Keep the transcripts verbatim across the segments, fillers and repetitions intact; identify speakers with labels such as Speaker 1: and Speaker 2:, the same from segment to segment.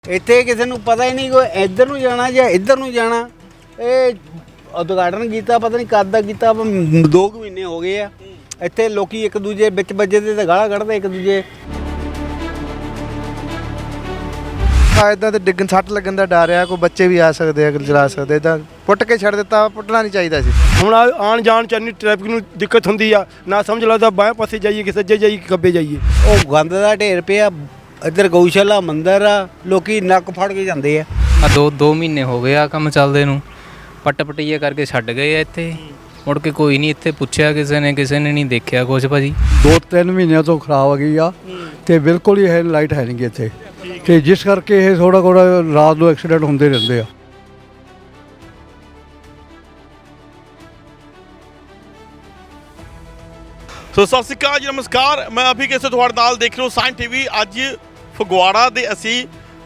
Speaker 1: ਇੱਥੇ ਕਿਸੇ ਨੂੰ ਪਤਾ ਹੀ ਨਹੀਂ ਕੋਈ ਇੱਧਰ ਨੂੰ ਜਾਣਾ ਜਾਂ ਇੱਧਰ ਨੂੰ ਜਾਣਾ। ਇਹ ਉਦਘਾਟਨ ਕੀਤਾ ਪਤਾ ਨਹੀਂ ਕਦ ਦਾ ਕੀਤਾ, ਦੋ ਕੁ ਮਹੀਨੇ ਹੋ ਗਏ ਆ। ਇੱਥੇ ਲੋਕੀ ਇੱਕ ਦੂਜੇ ਵਿੱਚ ਵੱਜੇ ਤੇ ਗਾਲਾਂ ਕੱਢਦੇ ਇੱਕ ਦੂਜੇ।
Speaker 2: ਇੱਦਾਂ ਤੇ ਡਿੱਗਣ ਸੱਟ ਲੱਗਣ ਦਾ ਡਰ ਆ, ਕੋਈ ਬੱਚੇ ਵੀ ਆ ਸਕਦੇ ਆ, ਚਲਾ ਸਕਦੇ। ਇੱਦਾਂ ਪੁੱਟ ਕੇ ਛੱਡ ਦਿੱਤਾ, ਪੁੱਟਣਾ ਨਹੀਂ ਚਾਹੀਦਾ ਸੀ।
Speaker 3: ਹੁਣ ਆਉਣ ਜਾਣ ਚ ਇੰਨੀ ਟ੍ਰੈਫਿਕ ਨੂੰ ਦਿੱਕਤ ਹੁੰਦੀ ਆ, ਨਾ ਸਮਝ ਲੱਗਦਾ ਬਾਹਾਂ ਪਾਸੇ ਜਾਈਏ ਕਿ ਸੱਜੇ ਜਾਈਏ ਕਿ ਖੱਬੇ ਜਾਈਏ।
Speaker 1: ਉਹ ਗੰਦ ਦਾ ਢੇਰ ਪਿਆ, ਇੱਧਰ ਗਊਸ਼ਾਲਾ ਮੰਦਰ ਆ, ਲੋਕੀ ਨੱਕ ਫੜ ਕੇ ਜਾਂਦੇ ਆ।
Speaker 4: ਆ ਦੋ ਦੋ ਮਹੀਨੇ ਹੋ ਗਏ ਆ ਕੰਮ ਚੱਲਦੇ ਨੂੰ, ਪੱਟ ਪਟਈਏ ਕਰਕੇ ਛੱਡ ਗਏ ਆ। ਇੱਥੇ ਮੁੜ ਕੇ ਕੋਈ ਨਹੀਂ ਇੱਥੇ ਪੁੱਛਿਆ ਕਿਸੇ ਨੇ, ਕਿਸੇ ਨੇ ਨਹੀਂ ਦੇਖਿਆ ਕੁਛ ਭਾਜੀ।
Speaker 5: ਦੋ ਤਿੰਨ ਮਹੀਨਿਆਂ ਤੋਂ ਖਰਾਬ ਹੋ ਗਈ ਆ ਤੇ ਬਿਲਕੁਲ ਹੀ ਇਹ ਲਾਈਟ ਹੈ ਨਹੀਂ ਗੀ ਇੱਥੇ, ਤੇ ਜਿਸ ਕਰਕੇ ਇਹ ਥੋੜਾ ਥੋੜਾ ਰਾਤ ਨੂੰ ਐਕਸੀਡੈਂਟ ਹੁੰਦੇ ਰਹਿੰਦੇ ਆ।
Speaker 6: ਸੋ ਸਤਿ ਸ਼੍ਰੀ ਅਕਾਲ ਜੀ, ਨਮਸਕਾਰ। ਮੈਂ ਅਭੀ ਕਿਸੇ ਤੁਹਾਡੇ ਨਾਲ ਦੇਖ ਰਹੇ ਹੋ ਸਾਇੰਸ ਟੀਵੀ। ਅੱਜ ਫਗਵਾੜਾ ਦੇ ਅਸੀਂ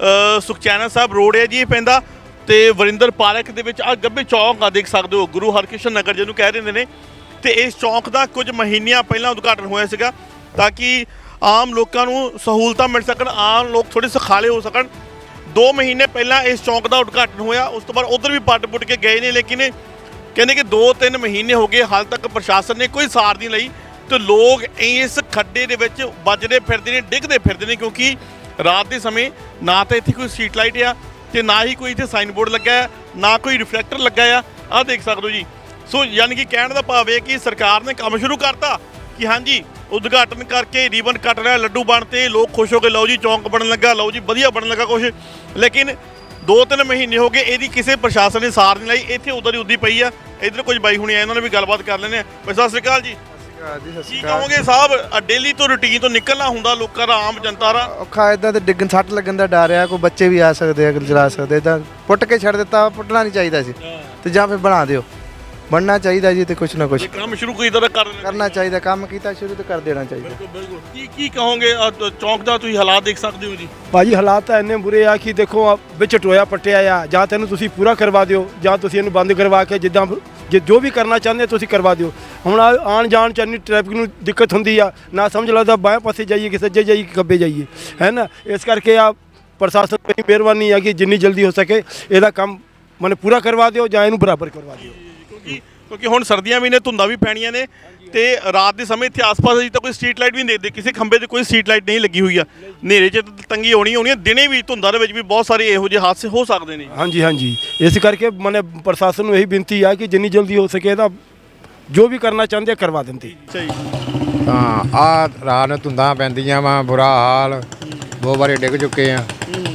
Speaker 6: ਸੁਖਚੈਨ ਸਾਹਿਬ ਰੋਡ ਹੈ ਜੀ, ਇਹ ਪੈਂਦਾ ਤੇ ਵਰਿੰਦਰ ਪਾਰਕ ਦੇ ਵਿੱਚ ਆ ਗੱਬੇ ਚੌਂਕ ਆ, ਦੇਖ ਸਕਦੇ ਹੋ, ਗੁਰੂ ਹਰਕ੍ਰਿਸ਼ਨ ਨਗਰ ਜਿਹਨੂੰ ਕਹਿ ਦਿੰਦੇ ਨੇ। ਤੇ ਇਸ ਚੌਂਕ ਦਾ ਕੁਝ ਮਹੀਨਿਆਂ ਪਹਿਲਾਂ ਉਦਘਾਟਨ ਹੋਇਆ ਸੀਗਾ ਤਾਂ ਕਿ ਆਮ ਲੋਕਾਂ ਨੂੰ ਸਹੂਲਤਾਂ ਮਿਲ ਸਕਣ, ਆਮ ਲੋਕ ਥੋੜ੍ਹੇ ਸੁਖਾਲੇ ਹੋ ਸਕਣ। ਦੋ ਮਹੀਨੇ ਪਹਿਲਾਂ ਇਸ ਚੌਂਕ ਦਾ ਉਦਘਾਟਨ ਹੋਇਆ, ਉਸ ਤੋਂ ਬਾਅਦ ਉੱਧਰ ਵੀ ਪੱਟ ਪੁੱਟ ਕੇ ਗਏ ਨੇ, ਲੇਕਿਨ ਕਹਿੰਦੇ ਕਿ ਦੋ ਤਿੰਨ ਮਹੀਨੇ ਹੋ ਗਏ, ਹਾਲ ਤੱਕ ਪ੍ਰਸ਼ਾਸਨ ਨੇ ਕੋਈ ਸਾਰ ਨਹੀਂ ਲਈ। ਤੇ ਲੋਕ ਇਸ ਖੱਡੇ ਦੇ ਵਿੱਚ ਵੱਜਦੇ ਫਿਰਦੇ ਨੇ, ਡਿੱਗਦੇ ਫਿਰਦੇ ਨੇ, ਕਿਉਂਕਿ ਰਾਤ ਦੇ ਸਮੇਂ ਨਾ ਤਾਂ ਇੱਥੇ ਕੋਈ ਸਟਰੀਟ ਲਾਈਟ ਆ ਤੇ ਨਾ ਹੀ ਕੋਈ ਇੱਥੇ ਸਾਈਨ ਬੋਰਡ ਲੱਗਾ ਹੈ, ਨਾ ਕੋਈ ਰਿਫਲੈਕਟਰ ਲੱਗਾ ਆ। ਆਹ ਦੇਖ ਸਕਦੇ ਹੋ ਜੀ। ਸੋ ਯਾਨੀ ਕਿ ਕਹਿਣ ਦਾ ਭਾਵ ਹੈ ਕਿ ਸਰਕਾਰ ਨੇ ਕੰਮ ਸ਼ੁਰੂ ਕਰਤਾ ਕਿ ਹਾਂਜੀ ਉਦਘਾਟਨ ਕਰਕੇ ਰੀਬਨ ਕੱਟ ਰਿਹਾ, ਲੱਡੂ ਬਣਤੇ, ਲੋਕ ਖੁਸ਼ ਹੋ ਕੇ ਲਓ ਜੀ ਚੌਂਕ ਬਣਨ ਲੱਗਾ, ਲਓ ਜੀ ਵਧੀਆ ਬਣਨ ਲੱਗਾ ਕੁਛ। ਲੇਕਿਨ ਦੋ ਤਿੰਨ ਮਹੀਨੇ ਹੋ ਗਏ, ਇਹਦੀ ਕਿਸੇ ਪ੍ਰਸ਼ਾਸਨ ਨੇ ਸਾਰ ਨਹੀਂ ਲਈ। ਇੱਥੇ ਉਧਰ ਹੀ ਉੱਦੀ ਪਈ ਆ। ਇੱਧਰ ਕੁਝ ਬਾਈ ਹੁਣੀ ਆਏ, ਉਹਨਾਂ ਨੇ ਵੀ ਗੱਲਬਾਤ ਕਰ ਲੈਣੇ ਆ। ਸਤਿ ਸ਼੍ਰੀ ਅਕਾਲ ਜੀ। ਕੀ ਕਹੋਗੇ ਸਾਹਿਬ, ਡੇਲੀ ਤੋਂ ਰੂਟੀਨ ਤੋਂ ਨਿਕਲਣਾ ਹੁੰਦਾ ਲੋਕਾਂ ਦਾ, ਆਮ ਜਨਤਾ ਦਾ
Speaker 2: ਔਖਾ। ਇੱਦਾਂ ਤੇ ਡਿੱਗਣ ਸੱਟ ਲੱਗਣ ਦਾ ਡਰ ਆ, ਕੋਈ ਬੱਚੇ ਵੀ ਆ ਸਕਦੇ ਆ, ਚਲਾ ਸਕਦੇ। ਇੱਦਾਂ ਪੁੱਟ ਕੇ ਛੱਡ ਦਿੱਤਾ, ਪੁੱਟਣਾ ਨਹੀਂ ਚਾਹੀਦਾ ਸੀ। ਤੇ ਜਾਂ ਫਿਰ ਬਣਾ ਦਿਓ, ਬਣਨਾ ਚਾਹੀਦਾ ਜੀ। ਤੇ ਕੁਛ ਨਾ ਕੁਛ
Speaker 6: ਕੰਮ ਸ਼ੁਰੂ ਕੀਤਾ ਤਾਂ ਕਰ
Speaker 2: ਕਰਨਾ ਚਾਹੀਦਾ, ਕੰਮ ਕੀਤਾ ਸ਼ੁਰੂ ਤੇ ਕਰ ਦੇਣਾ ਚਾਹੀਦਾ।
Speaker 6: ਬਿਲਕੁਲ। ਕੀ ਕੀ ਕਹੋਗੇ ਚੌਂਕ ਦਾ ਤੁਸੀਂ ਹਾਲਾਤ ਦੇਖ ਸਕਦੇ ਹੋ ਜੀ?
Speaker 3: ਭਾਜੀ ਹਾਲਾਤ ਤਾਂ ਇੰਨੇ ਬੁਰੇ ਆ ਕਿ ਦੇਖੋ ਆ ਵਿੱਚ ਟੋਇਆ ਪੱਟਿਆ ਆ, ਜਾਂ ਤੈਨੂੰ ਤੁਸੀਂ ਪੂਰਾ ਕਰਵਾ ਦਿਓ ਜਾਂ ਤੁਸੀਂ ਇਹਨੂੰ ਬੰਦ ਕਰਵਾ ਕੇ ਜਿੱਦਾਂ ਜੇ ਜੋ ਵੀ ਕਰਨਾ ਚਾਹੁੰਦੇ ਤੁਸੀਂ ਕਰਵਾ ਦਿਓ। ਹੁਣ ਆਉਣ ਜਾਣ ਚ ਇੰਨੀ ਟ੍ਰੈਫਿਕ ਨੂੰ ਦਿੱਕਤ ਹੁੰਦੀ ਆ, ਨਾ ਸਮਝ ਲੱਗਦਾ ਬਾਹਾਂ ਪਾਸੇ ਜਾਈਏ ਕਿ ਸੱਜੇ ਜਾਈਏ ਕਿ ਖੱਬੇ ਜਾਈਏ, ਹੈ ਨਾ। ਇਸ ਕਰਕੇ ਆ ਪ੍ਰਸ਼ਾਸਨ ਦੀ ਮਿਹਰਬਾਨੀ ਆ ਕਿ ਜਿੰਨੀ ਜਲਦੀ ਹੋ ਸਕੇ ਇਹਦਾ ਕੰਮ ਮਨੇ ਪੂਰਾ ਕਰਵਾ ਦਿਓ ਜਾਂ ਇਹਨੂੰ ਬਰਾਬਰ ਕਰਵਾ ਦਿਓ।
Speaker 6: ਕਿਉਂਕਿ ਕਿਉਂਕਿ ਹੁਣ ਸਰਦੀਆਂ ਵੀ ਨੇ, ਧੁੰਦਾਂ ਵੀ ਪੈਣੀਆਂ ਨੇ, ਤੇ ਰਾਤ ਦੇ ਸਮੇਂ ਇੱਥੇ ਆਸ-ਪਾਸ ਅਜੇ ਤਾਂ ਕੋਈ ਸਟਰੀਟ ਲਾਈਟ ਵੀ ਨਹੀਂ ਦੇਖਦੇ, ਕਿਸੇ ਖੰਭੇ ਤੇ ਕੋਈ ਸਟਰੀਟ ਲਾਈਟ ਨਹੀਂ ਲੱਗੀ ਹੋਈ ਆ। ਹਨੇਰੇ 'ਚ ਤੰਗੀ ਹੋਣੀ ਹੋਣੀ ਆ, ਦਿਨੇ ਵੀ ਧੁੰਦਾਂ ਦੇ ਵਿੱਚ ਵੀ ਬਹੁਤ ਸਾਰੇ ਇਹੋ ਜਿਹੇ ਹਾਦਸੇ ਹੋ ਸਕਦੇ ਨੇ।
Speaker 3: ਹਾਂਜੀ ਹਾਂਜੀ, ਇਸ ਕਰਕੇ ਮਨੇ ਪ੍ਰਸ਼ਾਸਨ ਨੂੰ ਇਹੀ ਬੇਨਤੀ ਆ ਕਿ ਜਿੰਨੀ ਜਲਦੀ ਹੋ ਸਕੇ ਇਹਦਾ ਜੋ ਵੀ ਕਰਨਾ ਚਾਹੁੰਦੇ ਆ ਕਰਵਾ ਦਿੰਦੇ।
Speaker 6: ਸਹੀ।
Speaker 7: ਹਾਂ, ਆ ਰਾਤ ਨੂੰ ਧੁੰਦਾਂ ਪੈਂਦੀਆਂ ਵਾ, ਬੁਰਾ ਹਾਲ, ਦੋ ਵਾਰੀ ਡਿੱਗ ਚੁੱਕੇ ਆ।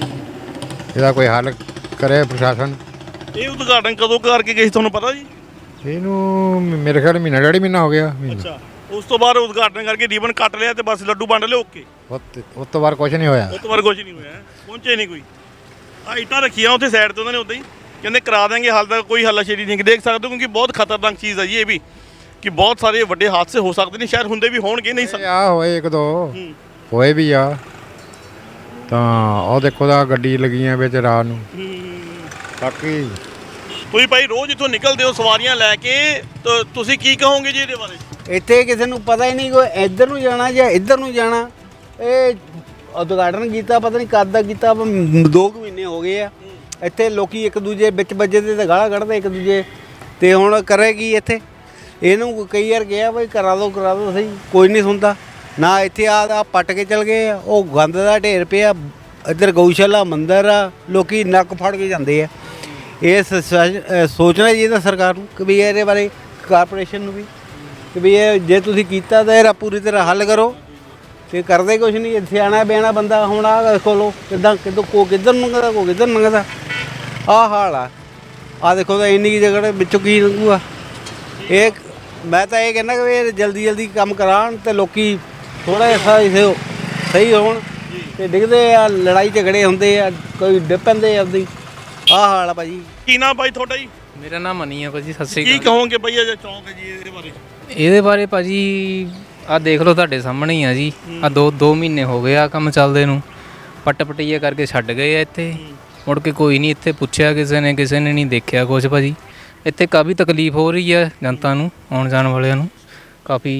Speaker 7: ਇਹਦਾ ਕੋਈ ਹੱਲ ਕਰੇ ਪ੍ਰਸ਼ਾਸਨ।
Speaker 6: ਇਹ ਉਦਘਾਟਨ ਕਦੋਂ ਕਰਕੇ ਗਏ ਸੀ ਤੁਹਾਨੂੰ ਪਤਾ ਜੀ?
Speaker 7: ਇਹਨੂੰ ਮੇਰੇ ਖਿਆਲ ਮਹੀਨਾ ਡੇਢ ਮਹੀਨਾ ਹੋ ਗਿਆ।
Speaker 6: ਅੱਛਾ, ਉਸ ਤੋਂ ਬਾਅਦ ਉਦਘਾਟਨ ਕਰਕੇ ਰੀਬਨ ਕੱਟ ਲਿਆ ਤੇ ਬਸ ਲੱਡੂ ਵੰਡ ਲਏ, ਓਕੇ।
Speaker 7: ਉਸ ਤੋਂ ਬਾਅਦ ਕੁਝ ਨਹੀਂ ਹੋਇਆ।
Speaker 6: ਉਸ ਤੋਂ ਬਾਅਦ ਕੁਝ ਨਹੀਂ ਹੋਇਆ, ਪਹੁੰਚੇ ਨਹੀਂ ਕੋਈ। ਆ ਇੱਟਾਂ ਰੱਖੀਆਂ ਉੱਥੇ ਸਾਈਡ ਤੇ ਉਹਨਾਂ ਨੇ, ਉੱਦਾਂ ਹੀ ਕਹਿੰਦੇ ਕਰਾ ਦੇਣਗੇ, ਹਾਲ ਤੱਕ ਕੋਈ ਹੱਲਾਸ਼ੇਰੀ ਨਹੀਂ ਦੇਖ ਸਕਦੇ, ਕਿਉਂਕਿ ਬਹੁਤ ਖਤਰਨਾਕ ਚੀਜ਼ ਹੈ ਜੀ ਇਹ ਵੀ, ਕਿ ਬਹੁਤ ਸਾਰੇ ਵੱਡੇ ਹਾਦਸੇ ਹੋ ਸਕਦੇ ਨੇ, ਸ਼ਾਇਦ ਹੁੰਦੇ ਵੀ ਹੋਣਗੇ, ਨਹੀਂ
Speaker 7: ਆ ਹੋਏ ਇੱਕ ਦੋ ਹੋਏ ਵੀ ਆ। ਤਾਂ ਉਹ ਦੇਖੋ ਦਾ ਗੱਡੀ ਲੱਗੀਆਂ ਵਿੱਚ ਰਾਤ ਨੂੰ। ਬਾਕੀ
Speaker 6: ਤੁਸੀਂ ਭਾਈ ਰੋਜ਼ ਇੱਥੋਂ ਨਿਕਲਦੇ ਹੋ ਸਵਾਰੀਆਂ ਲੈ ਕੇ, ਤਾਂ ਤੁਸੀਂ ਕੀ ਕਹੋਗੇ ਜੀ ਇਹਦੇ ਬਾਰੇ?
Speaker 1: ਇੱਥੇ ਕਿਸੇ ਨੂੰ ਪਤਾ ਹੀ ਨਹੀਂ ਕੋਈ ਇੱਧਰ ਨੂੰ ਜਾਣਾ ਜਾਂ ਇੱਧਰ ਨੂੰ ਜਾਣਾ। ਇਹ ਉਦਘਾਟਨ ਕੀਤਾ ਪਤਾ ਨਹੀਂ ਕਦ ਦਾ ਕੀਤਾ, ਦੋ ਕੁ ਮਹੀਨੇ ਹੋ ਗਏ ਆ। ਇੱਥੇ ਲੋਕੀ ਇੱਕ ਦੂਜੇ ਵਿੱਚ ਵੱਜੇ ਤੇ ਗਾਲਾਂ ਕੱਢਦੇ ਇੱਕ ਦੂਜੇ। ਤੇ ਹੁਣ ਕਰੇ ਕੀ ਇੱਥੇ? ਇਹਨੂੰ ਕਈ ਵਾਰ ਕਿਹਾ ਬਈ ਕਰਾ ਦਿਓ ਕਰਾ ਦਿਓ, ਸਹੀ ਕੋਈ ਨਹੀਂ ਸੁਣਦਾ। ਨਾ ਇੱਥੇ ਆ ਪੱਟ ਕੇ ਚਲ ਗਏ ਆ, ਉਹ ਗੰਦ ਦਾ ਢੇਰ ਪਿਆ, ਇੱਧਰ ਗਊਸ਼ਾਲਾ ਮੰਦਰ ਆ, ਲੋਕੀ ਨੱਕ ਫੜ ਕੇ ਜਾਂਦੇ ਆ। ਇਹ ਸੋਚਣਾ ਚਾਹੀਦਾ ਸਰਕਾਰ ਨੂੰ ਕਿ ਵੀ ਇਹਦੇ ਬਾਰੇ, ਕਾਰਪੋਰੇਸ਼ਨ ਨੂੰ ਵੀ, ਕਿ ਵੀ ਇਹ ਜੇ ਤੁਸੀਂ ਕੀਤਾ ਤਾਂ ਇਹਦਾ ਪੂਰੀ ਤਰ੍ਹਾਂ ਹੱਲ ਕਰੋ। ਤੇ ਕਰਦੇ ਕੁਛ ਨਹੀਂ, ਸਿਆਣਾ ਬਿਆਣਾ ਬੰਦਾ। ਹੁਣ ਆਹ ਦੇਖੋ ਲੋ ਕਿੱਦਾਂ ਕਿੱਦੋਂ ਕੋ ਕਿੱਧਰ ਲੰਘਦਾ, ਕੋ ਕਿੱਧਰ ਲੰਘਦਾ, ਆਹ ਹਾਲ ਆ। ਆਹ ਦੇਖੋ ਤਾਂ ਇੰਨੀ ਕੀ ਜਗ੍ਹਾ ਵਿੱਚੋਂ ਕੀ ਲੰਘੂਗਾ ਇਹ। ਮੈਂ ਤਾਂ ਇਹ ਕਹਿੰਦਾ ਕਿ ਇਹ ਜਲਦੀ ਜਲਦੀ ਕੰਮ ਕਰਾਉਣ ਤੇ ਲੋਕੀ ਥੋੜ੍ਹਾ ਜਿਹਾ ਸਹੀ ਹੋਣ। ਤੇ ਡਿੱਗਦੇ ਆ, ਲੜਾਈ ਝਗੜੇ ਹੁੰਦੇ ਆ, ਕੋਈ ਡਿੱਗ ਪੈਂਦੇ ਆ ਆਪਦੀ। ਆਹ ਹਾਲ ਆ ਭਾਜੀ।
Speaker 6: ਕੀ ਨਾਮ ਭਾਈ ਤੁਹਾਡਾ ਜੀ?
Speaker 4: ਮੇਰਾ ਨਾਮ ਮਨੀ ਆ ਭਾਜੀ। ਸਤਿ ਸ਼੍ਰੀ
Speaker 6: ਕੀ
Speaker 4: ਅਕਾਲ।
Speaker 6: ਕਹੋਗੇ ਭਾਈ ਇਹ ਚੌਂਕ ਹੈ ਜੀ, ਇਹਦੇ ਬਾਰੇ?
Speaker 4: ਇਹਦੇ ਬਾਰੇ ਭਾਜੀ ਆ ਦੇਖ ਲਓ ਤੁਹਾਡੇ ਸਾਹਮਣੇ ਹੀ ਆ ਜੀ। ਆ ਦੋ ਦੋ ਮਹੀਨੇ ਹੋ ਗਏ ਆ ਕੰਮ ਚੱਲਦੇ ਨੂੰ, ਪੱਟ ਪਟਈਏ ਕਰਕੇ ਛੱਡ ਗਏ ਆ। ਇੱਥੇ ਮੁੜ ਕੇ ਕੋਈ ਨਹੀਂ ਇੱਥੇ ਪੁੱਛਿਆ ਕਿਸੇ ਨੇ, ਕਿਸੇ ਨੇ ਨਹੀਂ ਦੇਖਿਆ ਕੁਛ ਭਾਜੀ। ਇੱਥੇ ਕਾਫੀ ਤਕਲੀਫ ਹੋ ਰਹੀ ਆ ਜਨਤਾ ਨੂੰ, ਆਉਣ ਜਾਣ ਵਾਲਿਆਂ ਨੂੰ। ਕਾਫੀ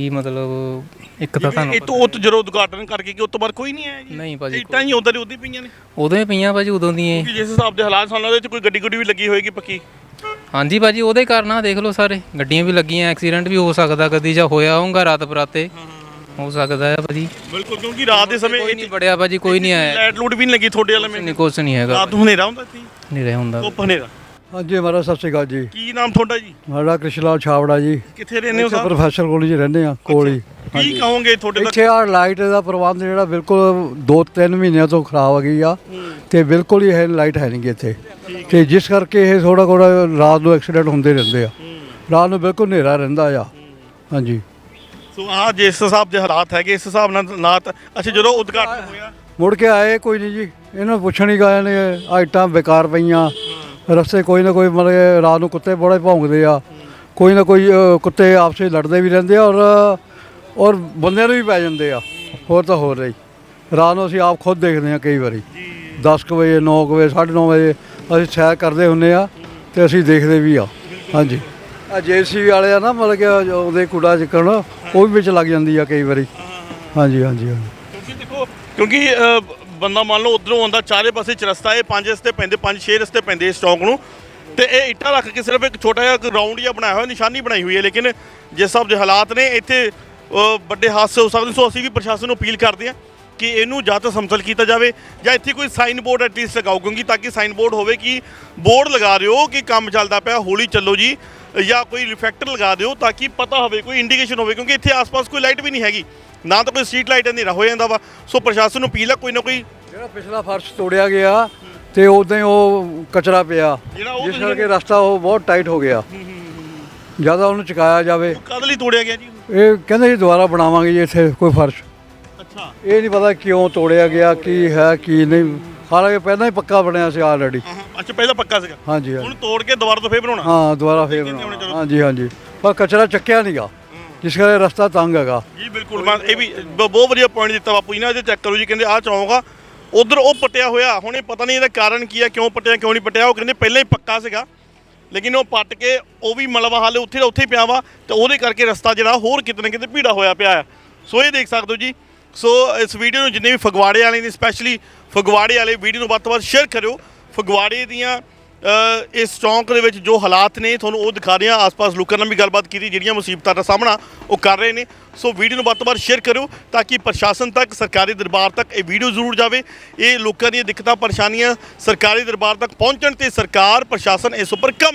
Speaker 4: ਮਤਲਬ ਇੱਕ ਤਾਂ ਤੁਹਾਨੂੰ
Speaker 6: ਇਹ ਤੋਂ ਉਹ ਜਦੋਂ ਉਦਘਾਟਨ ਕਰਕੇ ਕਿ ਉਸ ਤੋਂ ਬਾਅਦ ਕੋਈ ਨਹੀਂ ਆਇਆ ਜੀ
Speaker 4: ਨਹੀਂ ਭਾਜੀ,
Speaker 6: ਇੱਟਾਂ ਹੀ ਉਧਰ ਹੀ ਉਦੋਂ ਹੀ ਪਈਆਂ ਨੇ
Speaker 4: ਉਦੋਂ ਹੀ ਪਈਆਂ ਭਾਜੀ, ਉਦੋਂ ਦੀਆਂ
Speaker 6: ਕਿ ਜਿਸ ਹਿਸਾਬ ਦੇ ਹਾਲਾਤ ਸਾਨੂੰ ਲੱਗਦਾ ਕੋਈ ਗੱਡੀ ਗੁੱਡੀ ਵੀ ਲੱਗੀ ਹੋਏਗੀ ਪੱਕੀ।
Speaker 4: ਹਾਂਜੀ ਭਾਜੀ, ਉਹਦੇ ਕਾਰਨ ਆ ਦੇਖ ਲਓ ਸਾਰੇ ਗੱਡੀਆਂ ਵੀ ਲੱਗੀਆਂ, ਐਕਸੀਡੈਂਟ ਵੀ ਹੋ ਸਕਦਾ ਕਦੀ, ਜਾਂ ਹੋਇਆ ਹੋਊਗਾ ਰਾਤ ਬਰਾਤੇ ਹੋ ਸਕਦਾ ਹੈ ਭਾਜੀ।
Speaker 6: ਬਿਲਕੁਲ, ਕਿਉਂਕਿ ਰਾਤ ਦੇ ਸਮੇਂ
Speaker 4: ਕੋਈ ਨਹੀਂ ਬੜਿਆ ਭਾਜੀ, ਕੋਈ ਨਹੀਂ ਆਇਆ,
Speaker 6: ਲਾਈਟ ਲੂਟ ਵੀ ਨਹੀਂ ਲੱਗੀ ਤੁਹਾਡੇ ਵਾਲੇ
Speaker 4: ਨਹੀਂ
Speaker 6: ਮੇ
Speaker 4: ਕੁਛ ਨਹੀਂ ਹੈਗਾ,
Speaker 6: ਰਾਤ ਨੂੰ ਹਨੇਰਾ ਹੁੰਦਾ ਇੱਥੇ
Speaker 4: ਨਹੀਂ ਰਿਹਾ ਹੁੰਦਾ।
Speaker 6: ਧੁੱਪ ਹਨੇਰਾ।
Speaker 5: ਹਾਂਜੀ ਮਹਾਰਾਜ ਸਤਿ ਸ਼੍ਰੀ ਅਕਾਲ ਜੀ।
Speaker 6: ਕੀ ਨਾਮ ਤੁਹਾਡਾ ਜੀ?
Speaker 5: ਸਾਡਾ ਕ੍ਰਿਸ਼ਲਾਲ ਛਾਵੜਾ ਜੀ।
Speaker 6: ਕਿੱਥੇ ਰਹਿੰਦੇ ਹੋ
Speaker 5: ਇੱਥੇ
Speaker 6: ਸਾਹਿਬ?
Speaker 5: ਪ੍ਰੋਫੈਸਰ ਕਾਲਜ ਰਹਿੰਦੇ ਆ ਕੋਲ ਹੀ।
Speaker 6: ਕੀ ਕਹੋਗੇ ਤੁਹਾਡੇ ਦਾ?
Speaker 5: ਇੱਥੇ ਆ ਲਾਈਟ ਦਾ ਪ੍ਰਬੰਧ ਜਿਹੜਾ ਬਿਲਕੁਲ ਦੋ ਤਿੰਨ ਮਹੀਨਿਆਂ ਤੋਂ ਖਰਾਬ ਹੋ ਗਈ ਆ ਤੇ ਬਿਲਕੁਲ ਹੀ ਇਹ ਲਾਈਟ ਹੈ ਨਹੀਂ ਗੀ ਇੱਥੇ, ਤੇ ਜਿਸ ਕਰਕੇ ਇਹ ਥੋੜਾ ਥੋੜਾ ਰਾਤ ਨੂੰ ਐਕਸੀਡੈਂਟ ਹੁੰਦੇ ਰਹਿੰਦੇ ਆ, ਰਾਤ ਨੂੰ ਬਿਲਕੁਲ ਹਨੇਰਾ ਰਹਿੰਦਾ ਆ। ਹਾਂਜੀ,
Speaker 6: ਸੋ ਆਹ ਜਿਸ ਹਿਸਾਬ ਦੇ ਹਾਲਾਤ ਹੈਗੇ ਇਸ ਹਿਸਾਬ ਨਾਲ ਹਾਲਾਤ। ਅੱਛਾ, ਜਦੋਂ ਉਦਘਾਟਨ ਹੋਇਆ
Speaker 5: ਮੁੜ ਕੇ ਆਏ ਕੋਈ ਨਹੀਂ ਜੀ, ਇਹਨਾਂ ਨੂੰ ਪੁੱਛਣ ਹੀ ਗਏ ਨੇ, ਆਈਟਾਂ ਬੇਕਾਰ ਪਈਆਂ ਰਸਤੇ, ਕੋਈ ਨਾ ਕੋਈ ਮਤਲਬ ਕਿ ਰਾਤ ਨੂੰ ਕੁੱਤੇ ਬੜੇ ਭੌਂਕਦੇ ਆ, ਕੋਈ ਨਾ ਕੋਈ ਅ, ਕੁੱਤੇ ਆਪਸ ਵਿੱਚ ਲੜਦੇ ਵੀ ਰਹਿੰਦੇ ਆ, ਔਰ ਔਰ ਬੰਦਿਆਂ ਨੂੰ ਵੀ ਪੈ ਜਾਂਦੇ ਆ। ਹੋਰ ਤਾਂ ਹੋਰ ਰਹੀ ਰਾਤ ਨੂੰ ਅਸੀਂ ਆਪ ਖੁਦ ਦੇਖਦੇ ਹਾਂ ਕਈ ਵਾਰੀ ਦਸ ਕੁ ਵਜੇ ਨੌ ਕੁ ਵਜੇ ਸਾਢੇ ਨੌ ਵਜੇ ਅਸੀਂ ਸੈਰ ਕਰਦੇ ਹੁੰਦੇ ਆ ਤੇ ਅਸੀਂ ਦੇਖਦੇ ਵੀ ਆ। ਹਾਂਜੀ, ਆ ਜੇ ਸੀ ਬੀ ਵਾਲੇ ਆ ਨਾ ਮਤਲਬ ਕਿ ਉਹਦੇ ਕੂੜਾ ਚਿੱਕਣ ਉਹ ਵੀ ਵਿੱਚ ਲੱਗ ਜਾਂਦੀ ਆ ਕਈ ਵਾਰੀ। ਹਾਂਜੀ ਹਾਂਜੀ ਹਾਂਜੀ
Speaker 6: ਕਿਉਂਕਿ ਦੇਖੋ, ਕਿਉਂਕਿ ਅ, ਬੰਦਾ ਮੰਨ ਲਓ ਉਧਰੋਂ ਆਉਂਦਾ, ਚਾਰੇ ਪਾਸੇ ਚ ਰਸਤਾ, ਇਹ ਪੰਜ ਰਸਤੇ ਪੈਂਦੇ, ਪੰਜ ਛੇ ਰਸਤੇ ਪੈਂਦੇ ਇਸ ਚੌਂਕ ਨੂੰ, ਤੇ ਇਹ ਇੱਟਾਂ ਰੱਖ ਕੇ ਸਿਰਫ ਇੱਕ ਛੋਟਾ ਜਿਹਾ ਰਾਊਂਡ ਜਿਹਾ ਬਣਾਇਆ ਹੋਇਆ, ਨਿਸ਼ਾਨੀ ਬਣਾਈ ਹੋਈ ਹੈ। ਲੇਕਿਨ ਜਿਸ ਹਿਸਾਬ ਦੇ ਹਾਲਾਤ ਨੇ ਇੱਥੇ ਅ, ਵੱਡੇ ਹਾਦਸੇ ਹੋ ਸਕਦੇ। ਸੋ ਅਸੀਂ ਵੀ ਪ੍ਰਸ਼ਾਸਨ ਨੂੰ ਅਪੀਲ ਕਰਦੇ ਹਾਂ ਕਿ ਇਹਨੂੰ ਜਾਂ ਤਾਂ ਸਮਤਲ ਕੀਤਾ ਜਾਵੇ ਜਾਂ ਇੱਥੇ ਕੋਈ ਸਾਈਨ ਬੋਰਡ ਐਟਲੀਸਟ ਲਗਾਓ, ਕਿਉਂਕਿ ਤਾਂ ਕਿ ਸਾਈਨ ਬੋਰਡ ਹੋਵੇ ਕਿ ਬੋਰਡ ਲਗਾ ਦਿਓ ਕਿ ਕੰਮ ਚੱਲਦਾ ਪਿਆ, ਹੌਲੀ ਚੱਲੋ ਜੀ, ਜਾਂ ਕੋਈ ਰਿਫਲੈਕਟਰ ਲਗਾ ਦਿਓ ਤਾਂ ਕਿ ਪਤਾ ਹੋਵੇ, ਕੋਈ ਇੰਡੀਕੇਸ਼ਨ ਹੋਵੇ, ਕਿਉਂਕਿ ਇੱਥੇ ਆਸ-ਪਾਸ ਕੋਈ ਲਾਈਟ ਵੀ ਨਹੀਂ ਹੈਗੀ, ਨਾ ਤਾਂ ਕੋਈ ਸਟਰੀਟ ਲਾਈਟ, ਹਨੇਰਾ ਹੋ ਜਾਂਦਾ ਵਾ। ਸੋ ਪ੍ਰਸ਼ਾਸਨ ਨੂੰ ਅਪੀਲ ਆ ਕੋਈ ਨਾ ਕੋਈ
Speaker 5: ਜਿਹੜਾ ਪਿਛਲਾ ਫਰਸ਼ ਤੋੜਿਆ ਗਿਆ ਤੇ ਉਦਾਂ ਹੀ ਉਹ ਕਚਰਾ ਪਿਆ,
Speaker 6: ਜਿਹੜਾ ਉਹ
Speaker 5: ਜਿਸ ਕਰਕੇ ਰਸਤਾ ਉਹ ਬਹੁਤ ਟਾਈਟ ਹੋ ਗਿਆ। ਜਿਆਦਾ ਉਹਨੂੰ ਚੁਕਾਇਆ ਜਾਵੇ।
Speaker 6: ਕਦ ਲਈ ਤੋੜਿਆ ਗਿਆ ਜੀ?
Speaker 5: ਇਹ ਕਹਿੰਦੇ ਜੀ ਦੁਬਾਰਾ ਬਣਾਵਾਂਗੇ ਜੀ ਇੱਥੇ ਕੋਈ ਫਰਸ਼।
Speaker 6: ਅੱਛਾ,
Speaker 5: ਇਹ ਨਹੀਂ ਪਤਾ ਕਿਉਂ ਤੋੜਿਆ ਗਿਆ, ਕੀ ਹੈ ਕੀ ਨਹੀਂ, ਹਾਲਾਂਕਿ ਪਹਿਲਾਂ ਹੀ ਪੱਕਾ ਬਣਿਆ ਸੀ ਆਲਰੇਡੀ।
Speaker 6: ਅੱਛਾ, ਪਹਿਲਾਂ ਪੱਕਾ ਸੀਗਾ,
Speaker 5: ਹਾਂਜੀ
Speaker 6: ਹੁਣ
Speaker 5: ਹਾਂਜੀ
Speaker 6: ਤੋੜ ਕੇ ਦੁਬਾਰਾ ਤੋਂ ਫੇਰ ਬਣਾਉਣਾ।
Speaker 5: ਹਾਂ ਦੁਬਾਰਾ ਫੇਰ ਬਣਾਉਣਾ। ਹਾਂਜੀ ਹਾਂਜੀ, ਪਰ ਕਚਰਾ ਚੱਕਿਆ ਨਹੀਂਗਾ, ਜਿਸ ਕਰਕੇ ਰਸਤਾ ਤੰਗ ਹੈਗਾ
Speaker 6: ਜੀ। ਬਿਲਕੁਲ, ਮੈਂ ਇਹ ਵੀ ਬ- ਬਹੁਤ ਵਧੀਆ ਪੁਆਇੰਟ ਦਿੱਤਾ ਬਾਪੂ ਜੀ ਨੇ। ਇਹਦੇ ਚੈੱਕ ਕਰੋ ਜੀ, ਕਹਿੰਦੇ ਆਹ ਚੌਂਕ ਆ, ਉਧਰ ਉਹ ਪੱਟਿਆ ਹੋਇਆ, ਹੁਣ ਇਹ ਪਤਾ ਨਹੀਂ ਇਹਦਾ ਕਾਰਨ ਕੀ ਹੈ, ਕਿਉਂ ਪੱਟਿਆ ਕਿਉਂ ਨਹੀਂ ਪੱਟਿਆ। ਉਹ ਕਹਿੰਦੇ ਪਹਿਲਾਂ ਹੀ ਪੱਕਾ ਸੀਗਾ, ਲੇਕਿਨ ਉਹ ਪੱਟ ਕੇ ਉਹ ਵੀ ਮਲਬਾ ਹਾਲੇ ਉੱਥੇ ਦਾ ਉੱਥੇ ਪਿਆ ਵਾ, ਤੇ ਉਹਦੇ ਕਰਕੇ ਰਸਤਾ ਜਿਹੜਾ ਹੋਰ ਕਿਤੇ ਨਾ ਕਿਤੇ ਭੀੜਾ ਹੋਇਆ ਪਿਆ ਹੈ। ਸੋ ਇਹ ਦੇਖ ਸਕਦੇ ਹੋ ਜੀ। ਸੋ ਇਸ ਵੀਡੀਓ ਨੂੰ ਜਿੰਨੇ ਵੀ ਫਗਵਾੜੇ ਵਾਲੇ ਨੇ, ਸਪੈਸ਼ਲੀ ਫਗਵਾੜੇ ਵਾਲੇ, ਵੀਡੀਓ ਨੂੰ ਵੱਧ ਤੋਂ ਵੱਧ ਸ਼ੇਅਰ ਕਰਿਓ। ਫਗਵਾੜੇ ਦੀਆਂ ਅ, ਇਸ ਚੌਂਕ ਦੇ ਵਿੱਚ ਜੋ ਹਾਲਾਤ ਨੇ ਤੁਹਾਨੂੰ ਉਹ ਦਿਖਾ ਰਹੇ ਹਾਂ। ਆਸ-ਪਾਸ ਲੋਕਾਂ ਨਾਲ ਵੀ ਗੱਲਬਾਤ ਕੀਤੀ, ਜਿਹੜੀਆਂ ਮੁਸੀਬਤਾਂ ਦਾ ਸਾਹਮਣਾ ਉਹ ਕਰ ਰਹੇ ਨੇ। ਸੋ ਵੀਡੀਓ ਨੂੰ ਵੱਧ ਤੋਂ ਵੱਧ ਸ਼ੇਅਰ ਕਰਿਓ ਤਾਂ ਕਿ ਪ੍ਰਸ਼ਾਸਨ ਤੱਕ, ਸਰਕਾਰੀ ਦਰਬਾਰ ਤੱਕ ਇਹ ਵੀਡੀਓ ਜ਼ਰੂਰ ਜਾਵੇ। ਇਹ ਲੋਕਾਂ ਦੀਆਂ ਦਿੱਕਤਾਂ ਪਰੇਸ਼ਾਨੀਆਂ ਸਰਕਾਰੀ ਦਰਬਾਰ ਤੱਕ ਪਹੁੰਚਣ ਤੇ ਸਰਕਾਰ ਪ੍ਰਸ਼ਾਸਨ ਇਸ ਉੱਪਰ ਕੰਮ